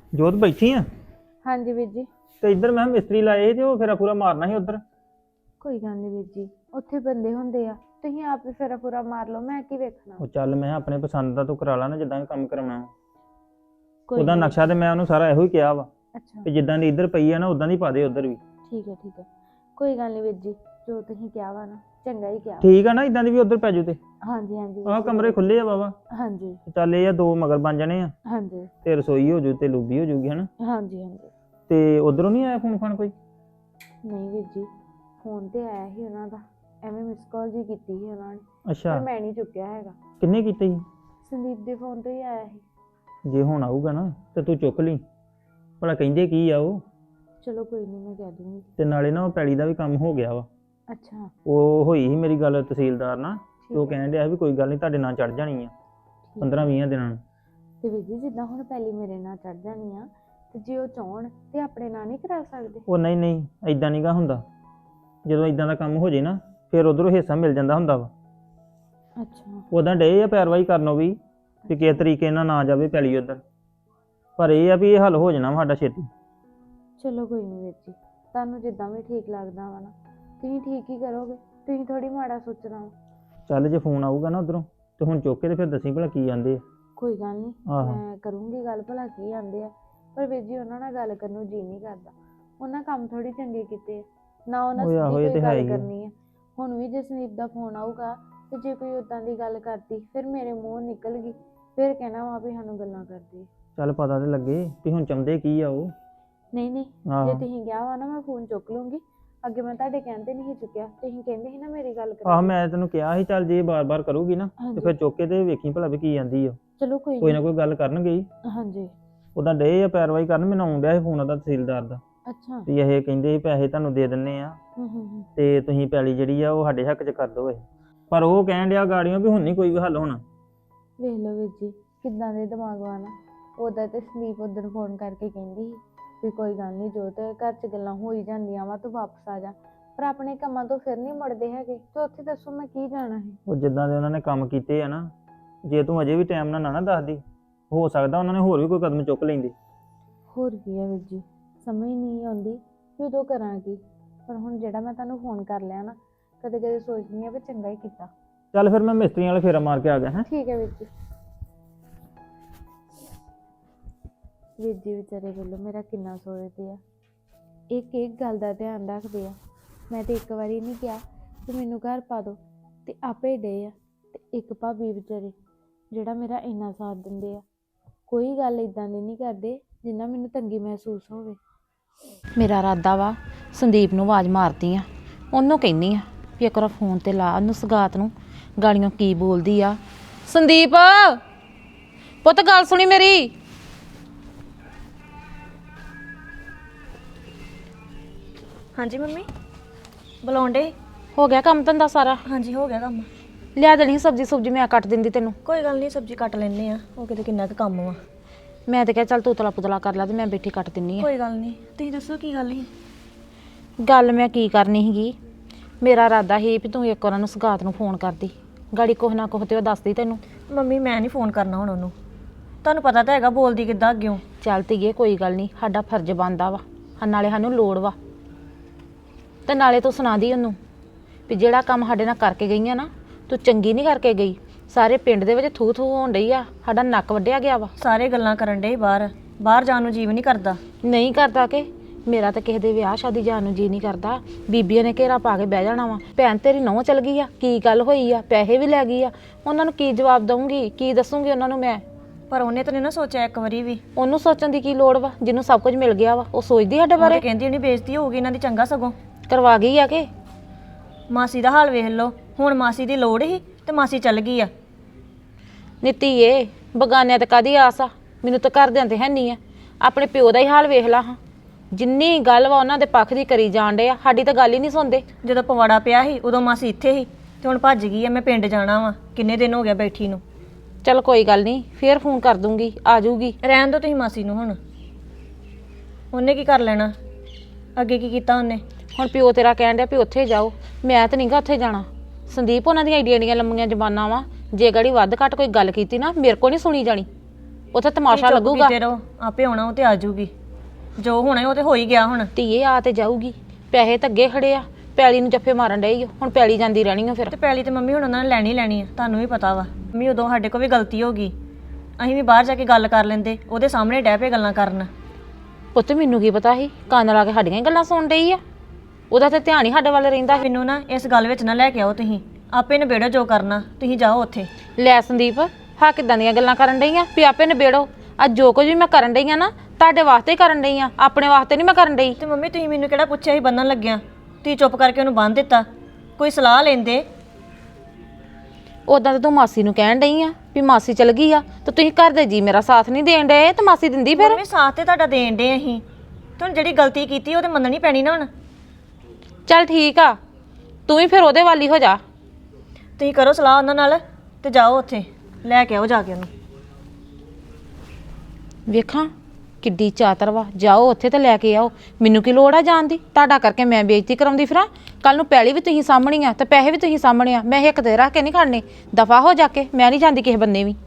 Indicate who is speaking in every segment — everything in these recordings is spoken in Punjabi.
Speaker 1: ਜੋਤ ਬੈਠੀ ਆ
Speaker 2: ਹਾਂਜੀ ਵੀਰ ਜੀ।
Speaker 1: ਤੇ ਇੱਧਰ ਮੈਂ ਮਿਸਤਰੀ ਲਾਏ ਸੀ ਤੇ ਉਹ ਫੇਰਾ ਪੂਰਾ ਮਾਰਨਾ ਸੀ ਉਧਰ।
Speaker 2: ਕੋਈ ਗੱਲ ਨਹੀਂ ਵੀਰ ਜੀ, ਉੱਥੇ ਬੰਦੇ ਹੁੰਦੇ ਆ, ਤੁਸੀਂ ਆਪ ਹੀ ਫੇਰਾ ਪੂਰਾ ਮਾਰ ਲਓ, ਮੈਂ ਕੀ ਵੇਖਣਾ।
Speaker 1: ਉਹ ਚੱਲ ਮੈਂ ਆਪਣੇ ਪਸੰਦ ਦਾ ਤੂੰ ਕਰਾ ਲਾ ਨਾ, ਜਿੱਦਾਂ ਵੀ ਕੰਮ ਕਰਾਉਣਾ।
Speaker 2: ਕੋਈ
Speaker 1: ਉਹਦਾ
Speaker 2: ਨੀ।
Speaker 1: ਨਕਸ਼ਾ ਤੇ ਮੈਂ ਉਹਨੂੰ ਸਾਰਾ ਇਹੋ ਹੀ ਕਿਹਾ ਵਾ
Speaker 2: ਅੱਛਾ
Speaker 1: ਕਿ ਜਿੱਦਾਂ ਦੀ ਇੱਧਰ ਪਈ ਆ ਨਾ ਉਦਾਂ ਦੀ ਪਾ ਦੇ ਉਧਰ ਵੀ।
Speaker 2: ਠੀਕ ਹੈ ਕੋਈ ਗੱਲ ਨਹੀਂ ਵੀਰ ਜੀ, ਜੋ ਤੁਸੀਂ ਕਿਹਾ ਵਾ ਨਾ ਚੰਗਾ ਹੀ ਕਿਹਾ।
Speaker 1: ਠੀਕ ਆ ਨਾ, ਇਦਾਂ ਦੀ ਵੀ ਉਧਰ ਪੈ ਜੂ ਤੇ
Speaker 2: ਹਾਂਜੀ ਹਾਂਜੀ
Speaker 1: ਆਹ ਕਮਰੇ ਖੁੱਲੇ ਆ ਬਾਬਾ।
Speaker 2: ਹਾਂਜੀ
Speaker 1: ਚੱਲ ਇਹ ਆ ਦੋ ਮਗਰ ਬਣ ਜਾਣੇ ਆ
Speaker 2: ਹਾਂਜੀ
Speaker 1: ਤੇ ਰਸੋਈ ਹੋ ਜੂ ਤੇ ਲੂਬੀ ਹੋ ਜੂਗੀ ਹਨਾ।
Speaker 2: ਹਾਂਜੀ ਹਾਂਜੀ।
Speaker 1: ਤੇ ਉਧਰੋਂ ਨਹੀਂ ਆਇਆ ਫੋਨ ਫਾਨ ਕੋਈ?
Speaker 2: ਨਹੀਂ ਵੀਰ ਜੀ, ਫੋਨ ਤੇ ਆਇਆ ਸੀ ਉਹਨਾਂ ਦਾ, ਐਵੇਂ ਮਿਸ ਕਾਲ ਜੀ ਕੀਤੀ ਸੀ ਉਹਨਾਂ ਨੇ,
Speaker 1: ਅੱਛਾ,
Speaker 2: ਪਰ ਮੈਂ ਨਹੀਂ ਚੁੱਕਿਆ ਹੈਗਾ।
Speaker 1: ਕਿੰਨੇ ਕੀਤੇ ਸੀ?
Speaker 2: ਸੰਦੀਪ ਦੇ ਫੋਨ ਤੋਂ ਹੀ ਆਇਆ ਸੀ।
Speaker 1: ਜੇ ਹੁਣ ਆਊਗਾ ਨਾ ਤੇ ਤੂੰ ਚੁੱਕ ਲਈ, ਭਲਾ ਕਹਿੰਦੇ ਕੀ ਆ ਉਹ।
Speaker 2: ਚਲੋ ਕੋਈ ਨਹੀਂ, ਮੈਂ ਕਹਿ ਦੂੰਗੀ।
Speaker 1: ਤੇ ਨਾਲੇ ਨਾ ਉਹ ਪੈਲੀ ਦਾ ਵੀ ਕੰਮ ਹੋ ਗਿਆ ਵਾ।
Speaker 2: ਅੱਛਾ
Speaker 1: ਉਹ ਹੋਈ ਸੀ ਮੇਰੀ ਗੱਲ ਤਹਿਸੀਲਦਾਰ ਨਾਲ, ਤੇ ਉਹ
Speaker 2: ਠੀਕ ਹੈ।
Speaker 1: ਕਹਿਣ ਡਿਆ ਵੀ ਕੋਈ ਗੱਲ ਨਹੀਂ ਤੁਹਾਡੇ ਨਾਲ ਚੜ ਜਾਣੀ ਆ 15-20 ਦਿਨਾਂ ਨੂੰ।
Speaker 2: ਤੇ ਵੀਰ ਜੀ ਜਿੱਦਾਂ ਹੁਣ ਪਹਿਲੀ ਮੇਰੇ ਨਾਲ ਚੜ ਜਾਣੀ ਆ, ਤੇ ਜੇ ਉਹ ਚਾਹਣ ਤੇ ਆਪਣੇ ਨਾਲ ਨਹੀਂ ਕਰਾ ਸਕਦੇ?
Speaker 1: ਉਹ ਨਹੀਂ ਐਦਾਂ ਨਹੀਂਗਾ ਹੁੰਦਾ, ਜਦੋਂ ਇਦਾਂ ਦਾ ਕੰਮ ਹੋ ਜੇ ਨਾ ਫਿਰ ਉਧਰੋਂ ਹਿੱਸਾ ਮਿਲ ਜਾਂਦਾ ਹੁੰਦਾ ਵਾ।
Speaker 2: ਅੱਛਾ
Speaker 1: ਉਦਾਂ ਡੇ ਆ ਪੈਰਵਾਈ ਕਰਨੋਂ ਵੀ ਕਿਸੇ ਤਰੀਕੇ ਨਾਲ ਨਾ ਜਾਵੇ ਪੈਲੀ ਉਧਰ, ਪਰ ਇਹ ਆ ਵੀ ਇਹ ਹੱਲ ਹੋ ਜਾਣਾ ਸਾਡਾ ਛੇਤੀ।
Speaker 2: ਚਲੋ ਕੋਈ ਨਹੀਂ ਵੀਰ ਜੀ, ਤੁਹਾਨੂੰ ਜਿੱਦਾਂ ਵੀ ਠੀਕ ਲੱਗਦਾ ਵਾ ਨਾ ਤੁਸੀਂ ਠੀਕ ਹੀ ਕਰੋਗੇ, ਤੁਸੀਂ ਥੋੜੀ ਮਾੜਾ ਸੋਚਣਾ ਵਾ।
Speaker 1: ਚੱਲ ਜੇ ਫੋਨ ਆਊਗਾ ਨਾ ਉਧਰੋਂ ਤੇ ਹੁਣ ਚੁੱਕ ਕੇ ਤੇ ਫਿਰ ਦੱਸੀ ਭਲਾ ਕੀ ਆਂਦੇ ਆ।
Speaker 2: ਕੋਈ ਗੱਲ ਨਹੀਂ,
Speaker 1: ਆਹੋ।
Speaker 2: ਮੈਂ ਕਰੂੰਗੀ ਗੱਲ, ਭਲਾ ਕੀ ਆਂਦੇ ਆ। ਪਰ ਵੀਰ ਜੀ ਉਹਨਾਂ ਨਾਲ ਗੱਲ ਕਰਨ ਨੂੰ ਜੀ ਨਹੀਂ ਕਰਦਾ, ਉਹਨਾਂ ਕੰਮ ਥੋੜੀ ਚੰਗੇ ਕੀਤੇ ਆ, ਨਾ ਉਹਨਾਂ
Speaker 1: ਓਏ ਆਹੋ,
Speaker 2: ਸਿੱਧੀ
Speaker 1: ਇਹ
Speaker 2: ਕੋਈ
Speaker 1: ਤੇ ਹੈ
Speaker 2: ਗੱਲ
Speaker 1: ਹੀ ਆ।
Speaker 2: ਕਰਨੀ ਆ। ਹੁਣ ਵੀ ਜੇ ਸੰਦੀਪ ਦਾ ਫੋਨ ਆਊਗਾ ਤੇ ਜੇ ਕੋਈ ਉਦਾਂ ਦੀ ਗੱਲ ਕਰਦੀ ਫਿਰ ਮੇਰੇ ਮੂੰਹ ਨਿਕਲ ਗਈ, ਫਿਰ ਕਹਿਣਾ ਵਾ ਵੀ ਸਾਨੂੰ ਗੱਲਾਂ ਕਰਦੀ।
Speaker 1: ਚੱਲ ਪਤਾ ਤੇ ਲੱਗੇ ਵੀ ਹੁਣ ਚਾਹੁੰਦੇ ਕੀ ਆ ਉਹ।
Speaker 2: ਨਹੀਂ ਜੇ
Speaker 1: ਆਹੋ
Speaker 2: ਤੁਸੀਂ ਕਿਹਾ ਵਾ ਨਾ ਮੈਂ ਫੋਨ ਚੁੱਕ ਲੂੰਗੀ। ਅੱਗੇ ਮੈਂ ਤੁਹਾਡੇ ਕਹਿੰਦੇ ਨਹੀਂ ਚੁੱਕਿਆ, ਤੁਸੀਂ ਕਹਿੰਦੇ ਸੀ ਨਾ ਮੇਰੀ ਗੱਲ
Speaker 1: ਆਹ
Speaker 2: ਕਰਾ।
Speaker 1: ਮੈਂ ਤੈਨੂੰ ਕਿਹਾ ਸੀ ਚੱਲ ਜੇ ਬਾਰ-ਬਾਰ ਕਰੂਗੀ ਨਾ ਤੇ
Speaker 2: ਹਾਂਜੀ
Speaker 1: ਫਿਰ ਚੁੱਕ ਕੇ ਤੇ ਵੇਖੀ ਭਲਾ ਵੀ ਕੀ ਆਂਦੀ ਆ।
Speaker 2: ਚਲੋ
Speaker 1: ਕੋਈ ਨਾ ਕੋਈ ਗੱਲ ਕਰਨਗੇ ਹੀ।
Speaker 2: ਹਾਂਜੀ
Speaker 1: ਉਦਾਂ ਡੇ ਆ ਪੈਰਵਾਈ ਕਰਨ, ਮੈਨੂੰ ਆਉਣ ਡਿਆ ਸੀ ਫੋਨ ਉਹਦਾ ਤਹਿਸੀਲਦਾਰ ਦਾ,
Speaker 2: ਅੱਛਾ
Speaker 1: ਵੀ ਇਹ ਕਹਿੰਦੇ ਪੈਸੇ ਤੁਹਾਨੂੰ ਦੇ ਦਿੰਨੇ ਆ
Speaker 2: ਹੂੰ
Speaker 1: ਤੇ ਤੁਸੀਂ ਪੈਲੀ ਜਿਹੜੀ ਆ ਉਹ ਸਾਡੇ ਹੱਕ 'ਚ ਕਰ ਦਿਓ ਇਹ। ਪਰ ਉਹ ਕਹਿਣ ਡਿਆ ਗਾੜੀਆਂ ਵੀ ਹੁਣ ਨਹੀਂ ਕੋਈ ਵੀ ਹੱਲ ਹੋਣਾ।
Speaker 2: ਵੇਖ ਲਓ ਵੀਰ ਜੀ ਕਿੱਦਾਂ ਦੇ ਦਿਮਾਗ ਵਾਲਾ। ਉਹਦਾ ਤੇ ਸੰਦੀਪ ਉਦੋਂ ਫੋਨ ਕਰਕੇ ਕਹਿੰਦੀ ਸੀ ਵੀ ਕੋਈ ਗੱਲ ਨਹੀਂ, ਜੋ ਤੇ ਘਰ 'ਚ ਗੱਲਾਂ ਹੋ ਹੀ ਜਾਂਦੀਆਂ ਵਾ, ਤੂੰ ਵਾਪਸ ਆ ਜਾ। ਪਰ ਆਪਣੇ ਕੰਮਾਂ ਤੋਂ ਫਿਰ ਨਹੀਂ ਮੁੜਦੇ ਹੈਗੇ, ਤੇ ਉੱਥੇ ਦੱਸੋ ਮੈਂ ਕੀ ਜਾਣਾ ਹੈ।
Speaker 1: ਉਹ ਜਿੱਦਾਂ ਦੇ ਉਹਨਾਂ ਨੇ ਕੰਮ ਕੀਤੇ ਆ ਨਾ, ਜੇ ਤੂੰ ਅਜੇ ਵੀ ਟਾਈਮ ਨਾਲ ਨਾ ਦੱਸਦੀ, ਹੋ ਸਕਦਾ ਉਹਨਾਂ ਨੇ ਹੋਰ ਵੀ ਕੋਈ ਕਦਮ ਚੁੱਕ ਲੈਂਦੇ।
Speaker 2: ਹੋਰ ਕੀ ਹੈ ਵੀਰ ਜੀ, ਸਮਝ ਨਹੀਂ ਆਉਂਦੀ ਵੀ ਉਦੋਂ ਕਰਾਂ ਕੀ। ਪਰ ਹੁਣ ਜਿਹੜਾ ਮੈਂ ਤੁਹਾਨੂੰ ਫੋਨ ਕਰ ਲਿਆ ਨਾ, ਕਦੇ ਕਦੇ ਸੋਚਦੀ ਆ ਵੀ ਚੰਗਾ ਹੀ ਕੀਤਾ।
Speaker 1: ਚੱਲ ਫਿਰ ਮੈਂ ਮਿਸਤਰੀਆਂ ਵਾਲੇ ਫੇਰਾ ਮਾਰ ਕੇ ਆ ਗਿਆ ਹੈਂ।
Speaker 2: ਠੀਕ ਹੈ ਵੀਰ ਜੀ। ਵੀਰ ਜੀ ਵਿਚਾਰੇ ਵੱਲੋਂ ਮੇਰਾ ਕਿੰਨਾ ਸੋਚਦੇ ਆ, ਇੱਕ ਗੱਲ ਦਾ ਧਿਆਨ ਰੱਖਦੇ ਆ। ਮੈਂ ਤੇ ਇੱਕ ਵਾਰੀ ਨਹੀਂ ਕਿਹਾ ਕਿ ਮੈਨੂੰ ਘਰ ਪਾ ਦਿਓ, ਤੇ ਆਪੇ ਡੇ ਆ। ਤੇ ਇੱਕ ਭਾਬੀ ਵਿਚਾਰੇ ਜਿਹੜਾ ਮੇਰਾ ਇੰਨਾ ਸਾਥ ਦਿੰਦੇ ਆ, ਕੋਈ ਗੱਲ ਇਦਾਂ ਦੀ ਨਹੀਂ ਕਰਦੇ ਜਿੰਨਾ ਮੈਨੂੰ ਤੰਗੀ ਮਹਿਸੂਸ ਹੋਵੇ।
Speaker 3: ਮੇਰਾ ਇਰਾਦਾ ਵਾ ਸੰਦੀਪ ਨੂੰ ਆਵਾਜ਼ ਮਾਰਦੀ ਆ, ਉਹਨੂੰ ਕਹਿੰਦੀ ਆ ਵੀ ਇੱਕ ਵਾਰ ਫੋਨ ਤੇ ਲਾ ਉਹਨੂੰ, ਸਗਾਤ ਨੂੰ, ਗਾਲੀਆਂ ਕੀ ਬੋਲਦੀ ਆ। ਸੰਦੀਪ ਪੁੱਤ ਗੱਲ ਸੁਣੀ ਮੇਰੀ।
Speaker 4: ਹਾਂਜੀ ਮੰਮੀ ਬੁਲਾਉਂਦੇ।
Speaker 3: ਹੋ ਗਿਆ ਕੰਮ ਧੰਦਾ ਸਾਰਾ?
Speaker 4: ਹਾਂਜੀ ਹੋ ਗਿਆ ਕੰਮ।
Speaker 3: ਲਿਆ ਦੇਣੀ ਸਬਜ਼ੀ ਸੁਬਜੀ, ਮੈਂ ਕੱਟ ਦਿੰਦੀ ਤੈਨੂੰ।
Speaker 4: ਕੋਈ ਗੱਲ ਨਹੀਂ, ਸਬਜ਼ੀ ਕੱਟ ਲੈਣੇ ਆ, ਉਹ ਕਿਤੇ ਕਿੰਨਾ ਕੁ ਕੰਮ ਵਾ।
Speaker 3: ਮੈਂ ਤੇ ਕਿਹਾ ਚੱਲ ਤੂਤਲਾ ਪੁਤਲਾ ਕਰ ਲਾ ਤੇ ਮੈਂ ਬੈਠੀ ਕੱਟ ਦਿੰਨੀ ਆ।
Speaker 4: ਕੋਈ ਗੱਲ ਨਹੀਂ, ਤੁਸੀਂ ਦੱਸੋ ਕੀ ਗੱਲ ਸੀ?
Speaker 3: ਗੱਲ ਮੈਂ ਕੀ ਕਰਨੀ ਸੀਗੀ, ਮੇਰਾ ਇਰਾਦਾ ਸੀ ਵੀ ਤੂੰ ਇੱਕ ਵਾਰ ਨੂੰ ਸਗਾਤ ਨੂੰ ਫੋਨ ਕਰਦੀ, ਗਾੜੀ ਕੁਛ ਨਾ ਕੁਛ ਤੇ ਉਹ ਦੱਸਦੀ ਤੈਨੂੰ।
Speaker 4: ਮੰਮੀ ਮੈਂ ਨਹੀਂ ਫੋਨ ਕਰਨਾ ਹੁਣ ਉਹਨੂੰ, ਤੁਹਾਨੂੰ ਪਤਾ ਤਾਂ ਹੈਗਾ ਬੋਲਦੀ ਕਿੱਦਾਂ ਅੱਗਿਓਂ।
Speaker 3: ਚੱਲ ਧੀਏ ਕੋਈ ਗੱਲ ਨਹੀਂ, ਸਾਡਾ ਫਰਜ਼ ਬਣਦਾ ਵਾ, ਨਾਲੇ ਸਾਨੂੰ ਲੋੜ ਵਾ। ਤੇ ਨਾਲੇ ਤੂੰ ਸੁਣਾ ਦੀ ਉਹਨੂੰ ਵੀ ਜਿਹੜਾ ਕੰਮ ਸਾਡੇ ਨਾਲ ਕਰਕੇ ਗਈਆਂ ਨਾ, ਤੂੰ ਚੰਗੀ ਨਹੀਂ ਕਰਕੇ ਗਈ। ਸਾਰੇ ਪਿੰਡ ਦੇ ਵਿੱਚ ਥੂ ਥੂ ਹੋਣ ਡਈ ਆ, ਸਾਡਾ ਨੱਕ ਵੱਢਿਆ ਗਿਆ ਵਾ।
Speaker 4: ਸਾਰੇ ਗੱਲਾਂ ਕਰਨ ਡੇ ਬਾਹਰ ਜਾਣ ਨੂੰ ਜੀਵ ਨਹੀਂ ਕਰਦਾ।
Speaker 3: ਨਹੀਂ ਕਰਦਾ ਕਿ ਮੇਰਾ ਤਾਂ ਕਿਸੇ ਦੇ ਵਿਆਹ ਸ਼ਾਦੀ ਜਾਣ ਨੂੰ ਜੀ ਨਹੀਂ ਕਰਦਾ। ਬੀਬੀਆਂ ਨੇ ਘੇਰਾ ਪਾ ਕੇ ਬਹਿ ਜਾਣਾ ਵਾ, ਭੈਣ ਤੇਰੀ ਨਹੁੰ ਚਲ ਗਈ ਆ, ਕੀ ਗੱਲ ਹੋਈ ਆ, ਪੈਸੇ ਵੀ ਲੈ ਗਈ ਆ। ਉਹਨਾਂ ਨੂੰ ਕੀ ਜਵਾਬ ਦਊਂਗੀ, ਕੀ ਦੱਸੂਗੀ ਉਹਨਾਂ ਨੂੰ ਮੈਂ?
Speaker 4: ਪਰ ਉਹਨੇ ਤਾਂ ਨਹੀਂ ਨਾ ਸੋਚਿਆ ਇੱਕ ਵਾਰੀ ਵੀ।
Speaker 3: ਉਹਨੂੰ ਸੋਚਣ ਦੀ ਕੀ ਲੋੜ ਵਾ, ਜਿਹਨੂੰ ਸਭ ਕੁਝ ਮਿਲ ਗਿਆ ਵਾ। ਉਹ ਸੋਚਦੀ ਸਾਡੇ
Speaker 4: ਉਹ
Speaker 3: ਬਾਰੇ?
Speaker 4: ਤੇ ਕਹਿੰਦੀ ਉਹਨੇ ਬੇਇੱਜ਼ਤੀ ਹੋਊਗੀ ਇਹਨਾਂ ਦੀ, ਚੰਗਾ ਸਗੋਂ
Speaker 3: ਕਰਵਾ ਗਈ ਆ ਕਿ?
Speaker 4: ਮਾਸੀ ਦਾ ਹਾਲ ਵੇਖ ਲਓ, ਹੁਣ ਮਾਸੀ ਦੀ ਲੋੜ ਸੀ ਤੇ ਮਾਸੀ ਚੱਲ ਗਈ ਆ।
Speaker 3: ਨੀਤੀਏ ਬਗਾਨਿਆਂ ਤੇ ਕਾਦੀ ਆਸ ਆ, ਮੈਨੂੰ ਤਾਂ ਘਰਦਿਆਂ ਤੇ ਹੈ ਨਹੀਂ ਆ। ਆਪਣੇ ਪਿਓ ਦਾ ਹੀ ਹਾਲ ਵੇਖ ਲਾ ਹਾਂ, ਜਿੰਨੀ ਗੱਲ ਵਾ ਉਹਨਾਂ ਦੇ ਪੱਖ ਦੀ ਕਰੀ ਜਾਣ ਡੇ ਆ, ਸਾਡੀ ਤਾਂ ਗੱਲ ਹੀ ਨਹੀਂ ਸੁਣਦੇ।
Speaker 4: ਜਦੋਂ ਪਵਾੜਾ ਪਿਆ ਸੀ ਉਦੋਂ ਮਾਸੀ ਇੱਥੇ ਸੀ, ਤੇ ਹੁਣ ਭੱਜ ਗਈ ਆ। ਮੈਂ ਪਿੰਡ ਜਾਣਾ ਵਾ, ਕਿੰਨੇ ਦਿਨ ਹੋ ਗਿਆ ਬੈਠੀ ਨੂੰ।
Speaker 3: ਚਲ ਕੋਈ ਗੱਲ ਨਹੀਂ, ਫੇਰ ਫੋਨ ਕਰ ਦੂੰਗੀ, ਆ ਜਾਊਗੀ।
Speaker 4: ਰਹਿਣ ਦਿਓ ਤੁਸੀਂ ਮਾਸੀ ਨੂੰ, ਹੁਣ ਉਹਨੇ ਕੀ ਕਰ ਲੈਣਾ, ਅੱਗੇ ਕੀ ਕੀਤਾ ਉਹਨੇ।
Speaker 3: ਹੁਣ ਪਿਓ ਤੇਰਾ ਕਹਿਣ ਡਿਆ ਵੀ ਉੱਥੇ ਜਾਓ, ਮੈਂ ਤਾਂ ਨਹੀਂਗਾ ਉੱਥੇ ਜਾਣਾ। ਸੰਦੀਪ ਉਹਨਾਂ ਦੀਆਂ ਏਡੀਆਂ ਲੰਮੀਆਂ ਜ਼ਬਾਨਾਂ ਵਾ, ਜੇ ਗੜੀ ਵੱਧ ਘੱਟ ਕੋਈ ਗੱਲ ਕੀਤੀ ਨਾ ਮੇਰੇ ਕੋਲ ਨਹੀਂ ਸੁਣੀ ਜਾਣੀ। ਉੱਥੇ ਤਮਾਸ਼ਾ
Speaker 4: ਚੁੱਪ
Speaker 3: ਲੱਗੂਗਾ।
Speaker 4: ਕੀਤੇ ਰਹੋ, ਆਪੇ ਆਉਣਾ ਉਹ ਤੇ ਆ ਜਾਊਗੀ। ਜੋ ਹੋਣਾ ਉਹ ਤੇ ਹੋ ਹੀ ਗਿਆ ਹੁਣ।
Speaker 3: ਧੀਏ ਆ ਤੇ ਜਾਊਗੀ, ਪੈਸੇ ਤਾਂ ਅੱਗੇ ਖੜੇ ਆ, ਪੈਲੀ ਨੂੰ ਜੱਫੇ ਮਾਰਨ ਡਈ ਓ, ਹੁਣ ਪੈਲੀ ਜਾਂਦੀ ਰਹਿਣੀ ਆ ਫਿਰ।
Speaker 4: ਤੇ ਪੈਲੀ ਤੇ ਮੰਮੀ ਹੁਣ ਉਹਨਾਂ ਨੇ ਲੈਣੀ ਆ, ਤੁਹਾਨੂੰ ਵੀ ਪਤਾ ਵਾ। ਮੰਮੀ ਉਦੋਂ ਸਾਡੇ ਕੋਲ ਵੀ ਗਲਤੀ ਹੋ ਗਈ, ਅਸੀਂ ਵੀ ਬਾਹਰ ਜਾ ਕੇ ਗੱਲ ਕਰ ਲੈਂਦੇ, ਉਹਦੇ ਸਾਹਮਣੇ ਡਹਿ ਪਏ ਗੱਲਾਂ ਕਰਨ।
Speaker 3: ਪੁੱਤ ਮੈਨੂੰ ਕੀ ਪਤਾ ਸੀ, ਕੰਨ ਲਾ ਕੇ ਸਾਡੀਆਂ ਹੀ ਗੱਲਾਂ ਸੁਣ ਡਈ ਆ। ਉਹਦਾ ਤੇ ਧਿਆਨ ਹੀ ਸਾਡੇ ਵੱਲ ਰਹਿੰਦਾ।
Speaker 4: ਮੈਨੂੰ ਨਾ ਇਸ ਗੱਲ ਵਿੱਚ ਨਾ ਲੈ ਕੇ ਆਓ, ਤੁਸੀਂ ਆਪੇ ਨਿਬੇੜੋ ਜੋ ਕਰਨਾ, ਤੁਸੀਂ ਜਾਓ ਉੱਥੇ।
Speaker 3: ਲੈ ਸੰਦੀਪ, ਹਾਂ ਕਿੱਦਾਂ ਦੀਆਂ ਗੱਲਾਂ ਕਰਨ ਡਈ ਆ ਵੀ ਆਪੇ ਨਿਬੇੜੋ। ਅੱਜ ਜੋ ਕੁਝ ਵੀ ਮੈਂ ਕਰਨ ਡਈ ਆ ਨਾ, ਤੁਹਾਡੇ ਵਾਸਤੇ ਹੀ ਕਰਨ ਡਈ ਆ, ਆਪਣੇ ਵਾਸਤੇ ਨਹੀਂ ਮੈਂ ਕਰਨ ਡਈ।
Speaker 4: ਤੇ ਮੰਮੀ ਤੁਸੀਂ ਮੈਨੂੰ ਕਿਹੜਾ ਪੁੱਛਿਆ ਸੀ ਬੰਨਣ ਲੱਗਿਆ? ਤੁਸੀਂ ਚੁੱਪ ਕਰਕੇ ਉਹਨੂੰ ਬੰਨ੍ਹ ਦਿੱਤਾ, ਕੋਈ ਸਲਾਹ ਲੈਂਦੇ।
Speaker 3: ਉਦਾਂ ਤਾਂ ਤੂੰ ਮਾਸੀ ਨੂੰ ਕਹਿਣ ਡਈ ਆ ਵੀ ਮਾਸੀ ਚਲ ਗਈ ਆ, ਤੇ ਤੁਸੀਂ ਘਰ ਦੇ ਜੀ ਮੇਰਾ ਸਾਥ ਨਹੀਂ ਦੇਣ ਡਏ, ਤੇ ਮਾਸੀ ਦਿੰਦੀ ਫਿਰ।
Speaker 4: ਮੰਮੀ ਸਾਥ ਤੇ ਤੁਹਾਡਾ ਦੇਣ ਡੇ ਅਸੀਂ, ਤੁਹਾਨੂੰ ਜਿਹੜੀ ਗਲਤੀ ਕੀਤੀ ਉਹ ਤੇ ਮੰਨਣੀ ਪੈਣੀ ਨਾ ਹੁਣ।
Speaker 3: ਚੱਲ ਠੀਕ ਆ, ਤੂੰ ਵੀ ਫਿਰ ਉਹਦੇ ਵਾਲੀ ਹੋ ਜਾ।
Speaker 4: ਤੁਸੀਂ ਕਰੋ ਸਲਾਹ ਉਹਨਾਂ ਨਾਲ ਤੇ ਜਾਓ ਉੱਥੇ ਲੈ ਕੇ ਆਓ ਜਾ ਕੇ ਉਹਨੂੰ।
Speaker 3: ਵੇਖਾਂ ਕਿੱਡੀ ਚਾਤਰ ਵਾ, ਜਾਓ ਉੱਥੇ ਤੇ ਲੈ ਕੇ ਆਓ। ਮੈਨੂੰ ਕੀ ਲੋੜ ਆ ਜਾਣ ਦੀ? ਤੁਹਾਡਾ ਕਰਕੇ ਮੈਂ ਬੇਇੱਜ਼ਤੀ ਕਰਾਉਂਦੀ ਫਿਰਾਂ? ਕੱਲ ਨੂੰ ਪੈਲੀ ਵੀ ਤੁਸੀਂ ਸਾਂਭਣੀ ਆ ਤੇ ਪੈਸੇ ਵੀ ਤੁਸੀਂ ਸਾਂਭਣੇ ਆ। ਮੈਂ ਇੱਕ ਤੇ ਰੱਖ ਕੇ ਨਹੀਂ ਖੜਨੇ, ਦਫਾ ਹੋ ਜਾ ਕੇ। ਮੈਂ ਨਹੀਂ ਜਾਂਦੀ ਕਿਸੇ ਬੰਨੇ ਵੀ।